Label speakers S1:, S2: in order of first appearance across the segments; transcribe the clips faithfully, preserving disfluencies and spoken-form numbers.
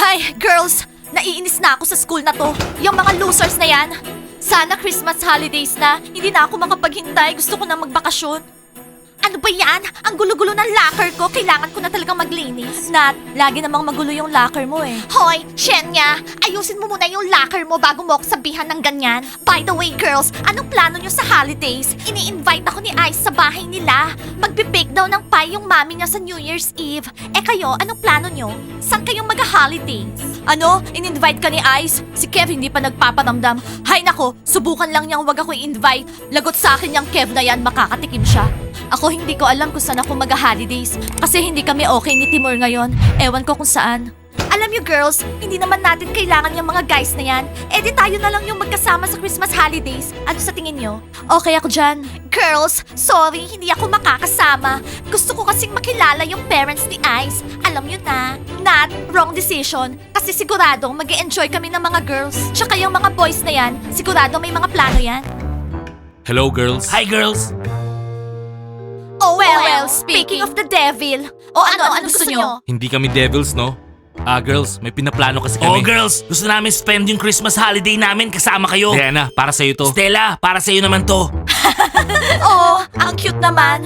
S1: Ay, girls! Naiinis na ako sa school na to. Yung mga losers na yan. Sana Christmas holidays na. Hindi na ako makapaghintay. Gusto ko na magbakasyon. Ano ba yan? Ang gulo-gulo ng locker ko. Kailangan ko na talagang maglinis. Nat, lagi namang magulo yung locker mo eh. Hoy, Shenya! Ayusin mo muna yung locker mo bago mo ako sabihan ng ganyan. By the way, girls, anong plano nyo sa holidays? Ini-invite ako ni Ice sa bahay nila. Magbe-bake daw ng pie yung mami niya sa New Year's Eve. Eh kayo, anong plano nyo? Saan kayong mag-holidays? Ano? In-invite ka ni Ice? Si Kev hindi pa nagpaparamdam. Hay nako, subukan lang niyang wag ako i-invite. Lagot sa akin yung Kev na yan, makakatikim siya. Ako hindi ko alam kung saan ako mag-holidays kasi hindi kami okay ni Timur ngayon. Ewan ko kung saan. Alam niyo girls, hindi naman natin kailangan yung mga guys na yan. Eh di tayo na lang yung magkasama sa Christmas holidays. Ano sa tingin niyo? Okay ako dyan. Girls, sorry, hindi ako makakasama. Gusto ko kasing makilala yung parents ni Ice. Alam niyo na. Not wrong decision. Kasi siguradong mag enjoy kami ng mga girls. Tsaka yung mga boys na yan, sigurado may mga plano yan.
S2: Hello, girls.
S3: Hi, girls!
S1: Oh well, well speaking of the devil. O ano, ano, gusto niyo?
S2: Hindi kami devils, no? Ah, girls, may pinaplano kasi
S3: Oh,
S2: kami.
S3: girls! Gusto namin spend yung Christmas holiday namin kasama kayo.
S2: Diana, para sa'yo to.
S3: Stella, para sa'yo naman to.
S1: Oo, ang cute naman.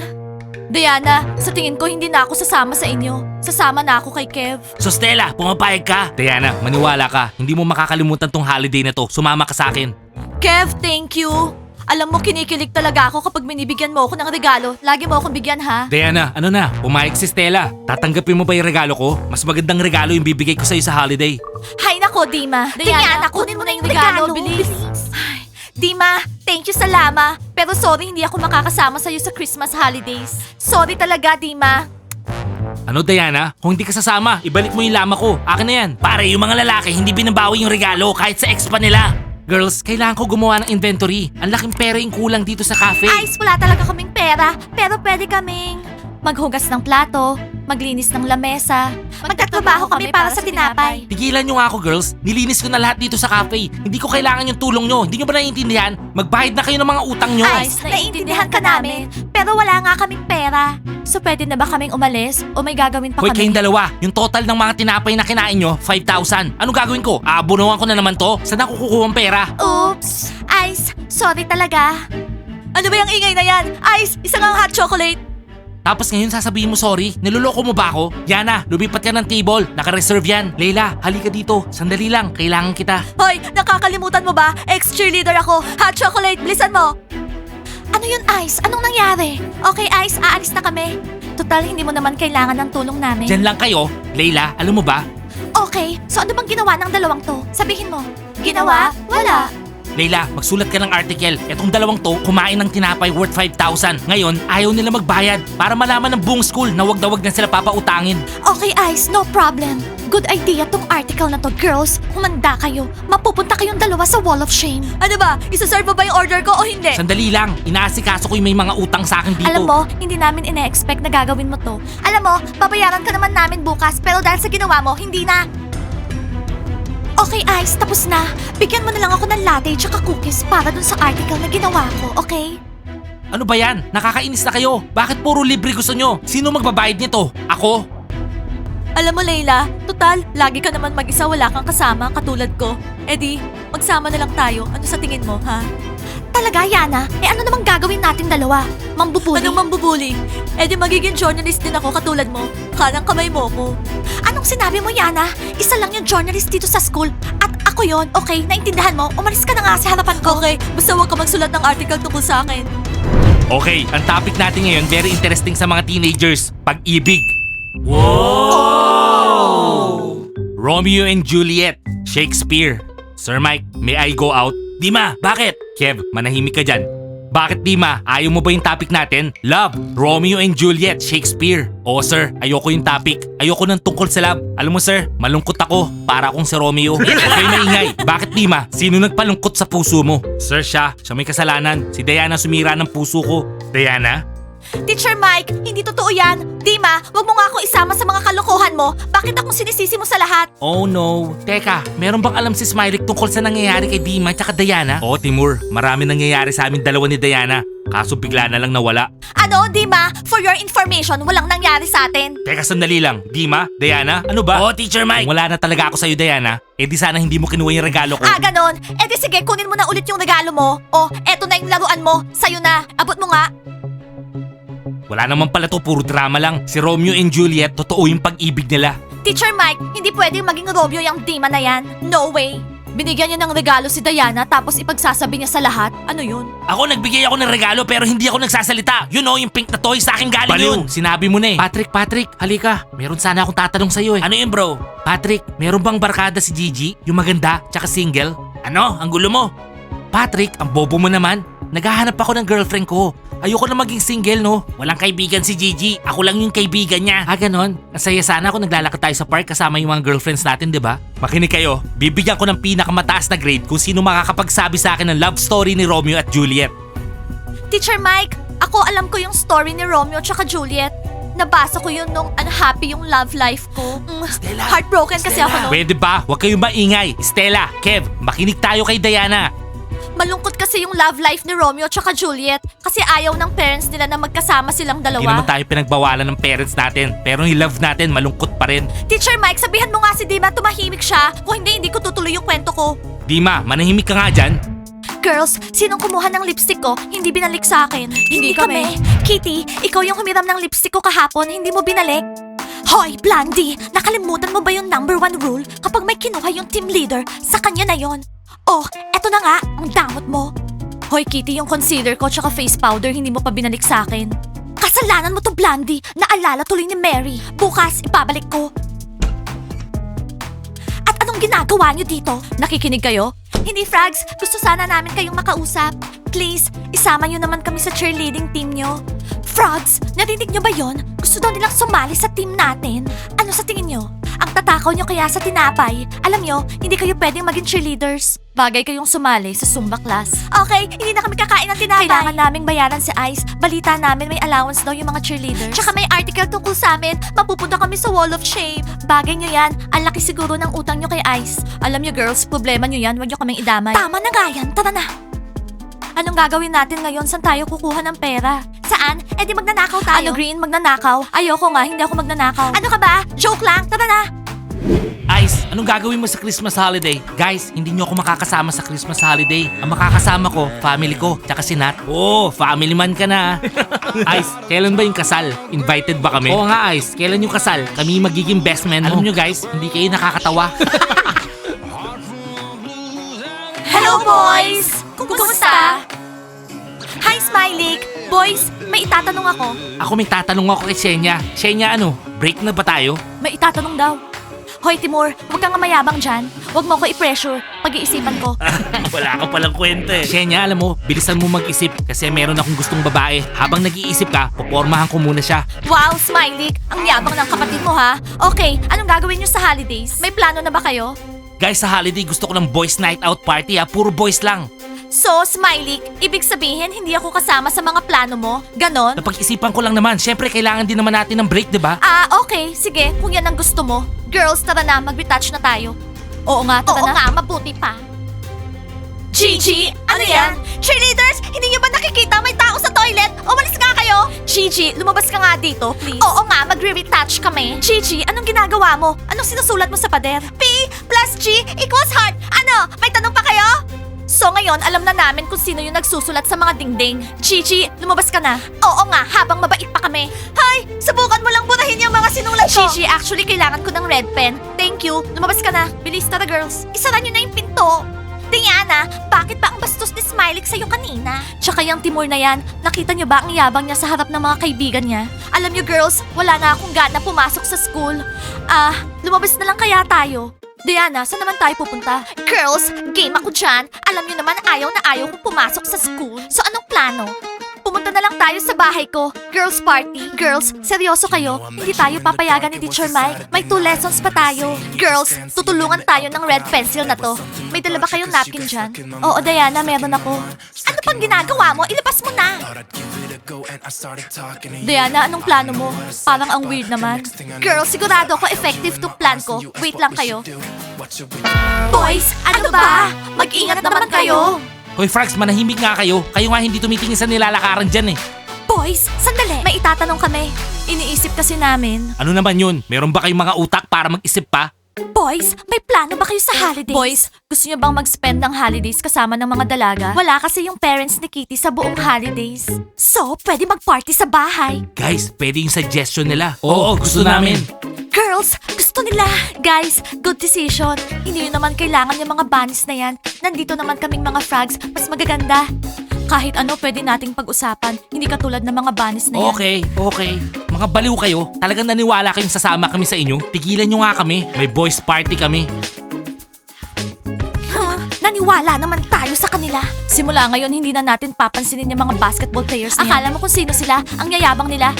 S1: Diana, sa tingin ko hindi na ako sasama sa inyo. Sasama na ako kay Kev.
S3: So Stella, pumapayag ka?
S2: Diana, maniwala ka. Hindi mo makakalimutan tong holiday na to. Sumama ka sa akin.
S1: Kev, thank you. Alam mo, kinikilig talaga ako kapag binibigyan mo ako ng regalo. Lagi mo akong bigyan, ha?
S2: Diana, ano na? Pumayag si Stella. Tatanggapin mo ba yung regalo ko? Mas magandang regalo yung bibigay ko sa'yo sa holiday.
S1: Hay nako, Dima. Diana, kunin mo na yung regalo, bilis. Ay, Dima, thank you sa lama. Pero sorry, hindi ako makakasama sa'yo sa Christmas holidays. Sorry talaga, Dima.
S2: Ano, Diana? Kung hindi ka sasama, ibalik mo yung lama ko. Akin na yan.
S3: Pare, yung mga lalaki hindi binabawi yung regalo kahit sa ex pa nila.
S2: Girls, kailangan ko gumawa ng inventory. Ang laking pera yung kulang dito sa cafe.
S1: Ice, wala talaga kaming pera. Pero pwede kaming maghugas ng plato, maglinis ng lamesa, magtatrabaho kami para sa tinapay.
S2: Tigilan nyo nga ako, girls. Nilinis ko na lahat dito sa cafe. Hindi ko kailangan yung tulong nyo. Hindi nyo ba naiintindihan? Magbayad na kayo ng mga utang nyo.
S1: Ice, naiintindihan ka namin. Pero wala nga kaming pera. So pwede na ba kaming umalis o may gagawin pa
S2: Hoy,
S1: kami?
S2: kayong dalawa, yung total ng mga tinapay na kinain nyo, five thousand. Anong gagawin ko? Aabunuhan ko na naman to? Saan ako kukuha ang pera?
S1: Oops! Ice, sorry talaga. Ano ba yung ingay na yan? Ice, isang ang hot chocolate.
S2: Tapos ngayon sasabihin mo sorry? Niloloko mo ba ako? Yana, lumipat ka ng table. Naka-reserve yan. Leila, halika dito. Sandali lang, kailangan kita.
S1: Hoy, nakakalimutan mo ba? Ex-cheerleader ako. Hot chocolate, bilisan mo. Ano yun, Ice? Anong nangyari? Okay, Ice, aalis na kami. Total, hindi mo naman kailangan ng tulong namin.
S2: Diyan lang kayo. Leila, alam mo ba?
S1: Okay, so ano bang ginawa ng dalawang to? Sabihin mo. Ginawa? Wala.
S2: Leila, magsulat ka ng article. Etong dalawang to, kumain ng tinapay worth five thousand. Ngayon, ayaw nila magbayad para malaman ng buong school na wag na wag na sila papautangin.
S1: Okay, Ice, no problem. Good idea tong article na to, girls. Humanda kayo. Mapupunta kayong dalawa sa Wall of Shame. Ano ba? Isa-serve mo ba yung order ko o hindi?
S2: Sandali lang, inaasikaso ko yung may mga utang sa akin dito.
S1: Alam mo, hindi namin ine-expect na gagawin mo to. Alam mo, babayaran ka naman namin bukas pero dahil sa ginawa mo, hindi na. Okay, Ice, tapos na. Bigyan mo na lang ako ng latte tsaka cookies para dun sa article na ginawa ko, okay?
S2: Ano ba yan? Nakakainis na kayo. Bakit puro libre gusto nyo? Sino magbabayad nito? Ako?
S1: Alam mo, Layla, total, lagi ka naman mag-isa, wala kang kasama, katulad ko. Eh di, magsama na lang tayo. Ano sa tingin mo, ha? Talaga, Yana? Eh ano namang gagawin natin dalawa? Mambubuli? Anong mambubuli? Eh di magiging journalist din ako katulad mo. Kanang kamay mo ko. Anong sinabi mo, Yana? Isa lang yung journalist dito sa school. At ako yon, okay? Naintindihan mo? Umalis ka na nga sa harapan ko. Okay, basta huwag ka magsulat ng article tungkol sa akin.
S2: Okay, ang topic natin ngayon very interesting sa mga teenagers. Pag-ibig.
S3: Wow!
S2: Romeo and Juliet. Shakespeare. Sir Mike, may I go out?
S3: Dima, bakit?
S2: Kev, manahimik ka dyan. Bakit Dima? Ayaw mo ba yung topic natin? Love, Romeo and Juliet, Shakespeare. Oo sir, ayoko yung topic. Ayoko ng tungkol sa love. Alam mo sir, malungkot ako. Para akong si Romeo. Okay, maingay. Bakit Dima? Sino nagpalungkot sa puso mo? Sir, siya. Siya may kasalanan. Si Diana sumira ng puso ko. Diana?
S1: Teacher Mike, hindi totoo yan. Dima, wag mo nga ako isama sa mga kalokohan mo. Bakit akong sinisisi mo sa lahat?
S2: Oh no. Teka, meron bang alam si Smiley tungkol sa nangyayari kay Dima at Diana? Oo, Timur. Marami nangyayari sa amin dalawa ni Diana. Kaso bigla na lang nawala.
S1: Ano, Dima? For your information, walang nangyari sa atin.
S2: Teka, sandali lang. Dima? Diana? Ano ba?
S3: Oo, Teacher Mike.
S2: Kung wala na talaga ako sa'yo, Diana, eh di sana hindi mo kinuha yung regalo ko.
S1: Ah, ganon. Eh di sige, kunin mo na ulit yung regalo mo. Oh, eto na yung laruan mo. Sa'yo na. Abot mo nga.
S2: Wala naman pala to, puro drama lang. Si Romeo and Juliet, totoo yung pag-ibig nila.
S1: Teacher Mike, hindi pwedeng maging Romeo yung Dima na yan. No way. Binigyan niya ng regalo si Diana tapos ipagsasabi niya sa lahat. Ano yun?
S3: Ako nagbigay ako ng regalo pero hindi ako nagsasalita. You know, yung pink na toy sa akin galing yun.
S2: Baliw, sinabi mo na eh. Patrick, Patrick, halika. Meron sana akong tatanong sa'yo eh.
S3: Ano yun, bro?
S2: Patrick, meron bang barkada si Gigi? Yung maganda, tsaka single?
S3: Ano? Ang gulo mo?
S2: Patrick, ang bobo mo naman. Naghahanap ako ng girlfriend ko. Ayoko na maging single, no?
S3: Walang kaibigan si Gigi. Ako lang yung kaibigan niya.
S2: Ah, ganon. Masaya sana kung naglalakad tayo sa park kasama yung mga girlfriends natin, di ba? Makinig kayo. Bibigyan ko ng pinakamataas na grade kung sino makakapagsabi sa akin ng love story ni Romeo at Juliet.
S1: Teacher Mike, ako alam ko yung story ni Romeo tsaka Juliet. Nabasa ko yun nung unhappy yung love life ko. Mm,
S3: Stella,
S1: heartbroken kasi
S3: Stella.
S1: ako noon.
S2: Pwede ba? Huwag kayong maingay. Stella, Kev, makinig tayo kay Diana.
S1: Malungkot kasi yung love life ni Romeo tsaka Juliet kasi ayaw ng parents nila na magkasama silang
S2: Hindi
S1: dalawa.
S2: naman tayo pinagbawalan ng parents natin. Pero yung love natin, malungkot pa rin.
S1: Teacher Mike, sabihan mo nga si Dima tumahimik siya. Kung hindi, hindi ko tutuloy yung kwento ko.
S2: Dima, manahimik ka nga dyan.
S1: Girls, sinong kumuha ng lipstick ko? Hindi binalik sa akin. Hindi, kami. Kitty, ikaw yung humiram ng lipstick ko kahapon, hindi mo binalik? Hoy, Blondie! Nakalimutan mo ba yung number one rule? Kapag may kinuha yung team leader, sa kanya na yon. Oh, eto na nga, ang damot mo. Hoy, Kitty, yung concealer ko tsaka face powder hindi mo pa binalik sa akin. Kasalanan mo to, Blondie. Naalala tuloy ni Mary. Bukas, ipabalik ko. At anong ginagawa niyo dito? Nakikinig kayo? Hindi, Frags. Gusto sana namin kayong makausap. Please, isama niyo naman kami sa cheerleading team niyo. Frogs, narinig niyo ba yon? Gusto daw nilang sumali sa team natin. Ano sa tingin niyo? Ang tatakaw niyo kaya sa tinapay. Alam niyo, hindi kayo pwedeng maging cheerleaders. Bagay kayong sumali sa Zumba class. Okay, hindi na kami kakain ng tinapay. Kailangan naming bayaran si Ice. Balita namin may allowance daw yung mga cheerleaders. Tsaka may article tungkol sa amin. Mapupunta kami sa Wall of Shame. Bagay niyo yan. Ang laki siguro ng utang niyo kay Ice. Alam niyo girls, problema niyo yan. Huwag niyo kaming idamay. Tama na nga yan. Tara na. Anong gagawin natin ngayon? Saan tayo kukuha ng pera? Saan? Eh di magnanakaw tayo. Ano Green? Magnanakaw? Ayoko nga, hindi ako magnanakaw. Ano ka ba? Joke lang. Tara na.
S2: Ice, anong gagawin mo sa Christmas holiday? Guys, hindi nyo ako makakasama sa Christmas holiday. Ang makakasama ko, family ko, tsaka si Nat. Oh, family man ka na. Ice, kailan ba yung kasal? Invited ba kami? Oo nga, Ice. Kailan yung kasal? Kami magiging best man mo. Alam nyo guys, hindi kayo nakakatawa.
S1: Hello, boys! Kumusta? Hi, Smiley! Boys, may itatanong ako.
S2: Ako may tatanong ako kay Shenya. Shenya ano, break na ba tayo?
S1: May itatanong daw. Hoy, Timur, huwag kang mayabang dyan. Huwag mo ko i-pressure. Pag-iisipan ko.
S3: Wala ka palang kwento eh.
S2: Shenya, alam mo, bilisan mo mag-isip kasi meron akong gustong babae. Habang nag-iisip ka, popormahan ko muna siya.
S1: Wow, Smiley! Ang yabang ng kapatid mo, ha? Okay, anong gagawin nyo sa holidays? May plano na ba kayo?
S2: Guys, sa holiday gusto ko ng boys night out party ha. Puro boys lang.
S1: So, Smiley, ibig sabihin hindi ako kasama sa mga plano mo? Ganon?
S2: Napag-isipan ko lang naman. Siyempre, kailangan din naman natin ng break, di ba?
S1: Ah, okay. Sige, kung yan ang gusto mo. Girls, tara na. Mag-retouch na tayo. Oo nga, tara
S2: Oo
S1: na. Oo nga, mabuti pa. Gigi, ano yan? Cheerleaders, hindi niyo ba nakikita may tao sa toilet? Umalis nga kayo! Gigi, lumabas ka nga dito, please. Oo nga, magre-retouch kami. Gigi, anong ginagawa mo? Anong sinusulat mo sa pader? P plus G equals heart. Ano? May tanong pa kayo? So ngayon, alam na namin kung sino yung nagsusulat sa mga dingding. Gigi, lumabas ka na. Oo nga, habang mabait pa kami. Hay, subukan mo lang burahin yung mga sinulat ko. Gigi, actually kailangan ko ng red pen. Thank you. Lumabas ka na. Bilis, tara girls. Isara nyo na yung pinto. Diana, bakit ba ang bastos ni Smiley sa'yo kanina? Tsaka yung Timur na yan, nakita nyo ba ang yabang niya sa harap ng mga kaibigan niya? Alam nyo girls, wala nga akong gana pumasok sa school. Ah, lumabas na lang kaya tayo. Diana, saan naman tayo pupunta? Girls, game ako dyan. Alam nyo naman ayaw na ayaw kong pumasok sa school. So anong plano? Pumunta na lang tayo sa bahay ko. Girls party. Girls, seryoso kayo? Hindi tayo papayagan ni Teacher Mike. May two lessons pa tayo. Girls, tutulungan tayo ng red pencil na to. May dala ba kayong napkin dyan? Oo, Diana, meron ako. Ano pang ginagawa mo? Ilabas mo na! Diana, anong plano mo? Parang ang weird naman. Girls, sigurado ko effective to plan ko. Wait lang kayo. Boys, ano ba? Mag-ingat naman kayo.
S2: Hoy Frags, manahimik nga kayo. Kayo nga hindi tumitingin sa nilalakaran dyan eh.
S1: Boys, sandali. May itatanong kami. Iniisip kasi namin.
S2: Ano naman yun? Meron ba kayong mga utak para mag-isip pa?
S1: Boys, may plano ba kayo sa holidays? Boys, gusto niyo bang mag-spend ng holidays kasama ng mga dalaga? Wala kasi yung parents ni Kitty sa buong holidays. So, pwede mag-party sa bahay.
S2: Guys, pwede yung suggestion nila. Oo, gusto namin.
S1: Girls, gusto nila. Guys, good decision. Hindi yun naman kailangan yung mga bunnies na yan. Nandito naman kaming mga frogs, mas magaganda. Kahit ano pwede nating pag-usapan, hindi katulad ng mga bunnies na yan.
S2: Okay, okay. Mga baliw kayo. Talagang naniwala kayong sasama kami sa inyo. Tigilan nyo nga kami. May boys party kami.
S1: Huh? Naniwala naman tayo sa kanila. Simula ngayon, hindi na natin papansinin yung mga basketball players na yan. Akala mo kung sino sila, ang yayabang nila.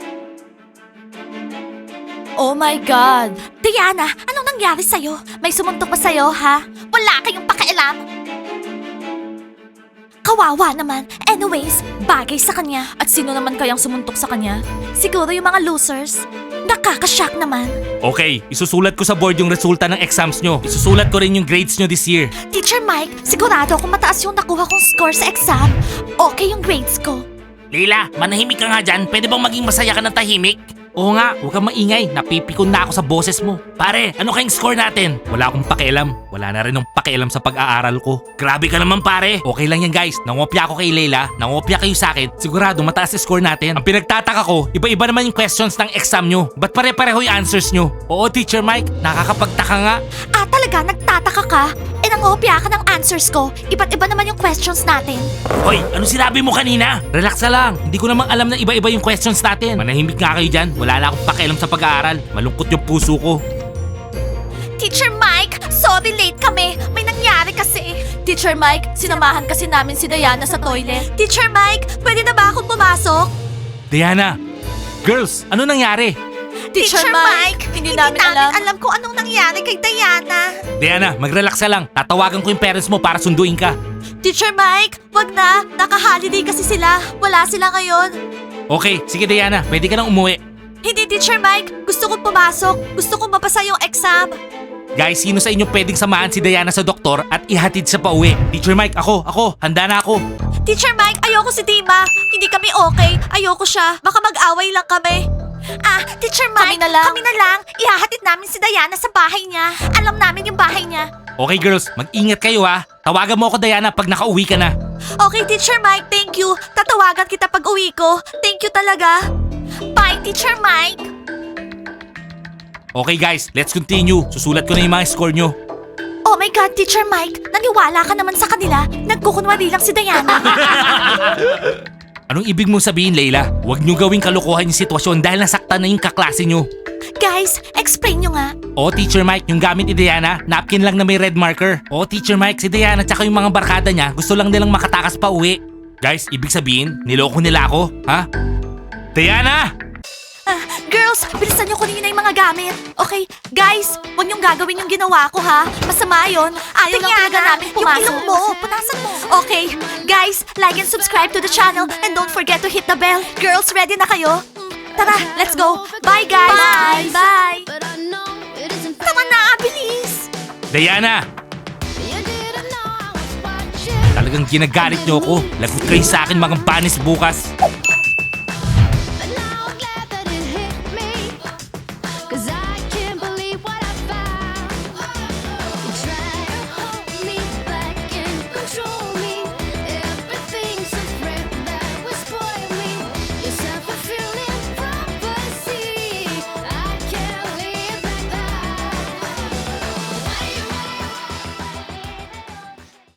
S1: Oh my God! Diana, anong nangyari sa'yo? May sumuntok pa sa'yo, ha? Wala kayong pakialam! Kawawa naman. Anyways, bagay sa kanya. At sino naman kayang sumuntok sa kanya? Siguro yung mga losers. Nakakashock naman.
S2: Okay, isusulat ko sa board yung resulta ng exams nyo. Isusulat ko rin yung grades nyo this year.
S1: Teacher Mike, sigurado akong mataas yung nakuha kong score sa exam. Okay yung grades ko.
S3: Leila, manahimik ka nga dyan. Pwede bang maging masaya ka ng tahimik?
S2: Oo nga, huwag kang maingay. Napipikon na ako sa boses mo.
S3: Pare, ano kayong score natin?
S2: Wala akong pakialam. Wala na rin ng pakialam sa pag-aaral ko.
S3: Grabe ka naman pare.
S2: Okay lang yan guys. Nangopya ako kay Leila. Nangopya kayo sa akin. Sigurado mataas yung score natin. Ang pinagtataka ko, iba-iba naman yung questions ng exam nyo. Ba't pare-pareho yung answers nyo? Oo, Teacher Mike. Nakakapagtaka nga.
S1: Ah, talaga? Nagtataka ka? E nangopya ka ng answers ko. Iba't iba naman yung questions natin.
S3: Hoy, ano sinabi mo kanina?
S2: Relax ka lang. Hindi ko namang alam na iba-iba yung questions natin. Manahimik nga kayo dyan. Wala na akong pakialam sa pag-aaral. Malungkot yung puso ko.
S1: Teacher Mike, sorry late kami. May nangyari kasi. Teacher Mike, sinamahan kasi namin si Diana sa toilet. Teacher Mike, pwede na ba akong pumasok?
S2: Diana! Girls, ano nangyari?
S1: Teacher, Mike, hindi, namin, alam. kung anong nangyari kay Diana.
S2: Diana, mag-relax ka lang. Tatawagan ko yung parents mo para sunduin ka.
S1: Teacher Mike, wag na. Naka-holiday kasi sila. Wala sila ngayon.
S2: Okay, sige Diana. Pwede ka nang umuwi.
S1: Hindi, Teacher Mike. Gusto kong pumasok. Gusto kong mapasa yung exam.
S2: Guys, sino sa inyo pwedeng samahan si Diana sa doktor at ihatid siya pa uwi? Teacher Mike, ako, ako. Handa na ako.
S1: Teacher Mike, ayoko si Dima. Hindi kami okay. Ayoko siya. Baka mag-away lang kami. Ah, Teacher Mike, kami na lang. Kami na lang. Ihahatid namin si Diana sa bahay niya. Alam namin yung bahay niya.
S2: Okay girls, mag-ingat kayo ha. Tawagan mo ako Diana pag nakauwi ka na.
S1: Okay, Teacher Mike, thank you. Tatawagan kita pag uwi ko. Thank you talaga. Bye, Teacher Mike.
S2: Okay guys, let's continue. Susulat ko na yung mga score nyo.
S1: Oh my God, Teacher Mike. Naniwala ka naman sa kanila. Nagkukunwari lang si Diana.
S2: Anong ibig mong sabihin, Leila? Huwag nyo gawing kalokohan yung sitwasyon dahil nasaktan na yung kaklase nyo.
S1: Guys, explain nyo nga.
S2: O Teacher Mike, yung gamit ni Diana, napkin lang na may red marker. O Teacher Mike, si Diana tsaka yung mga barkada niya, gusto lang nilang makatakas pa uwi. Guys, ibig sabihin, niloko nila ako, ha? Diana!
S1: Ah, girls, bilisan nyo kunin na yung mga gamit. Okay, guys, huwag niyong gagawin yung ginawa ko ha. Masama yun. Ayaw lang talaga namin pumasok. Yung ilong mo, punasan mo. Okay, guys, like and subscribe to the channel and don't forget to hit the bell. Girls, ready na kayo? Tara, let's go. Bye, guys. Bye. Bye. Tama na, bilis.
S2: Diana! Talagang ginagalit nyo ako. Lagot kayo sa akin mga banis bukas.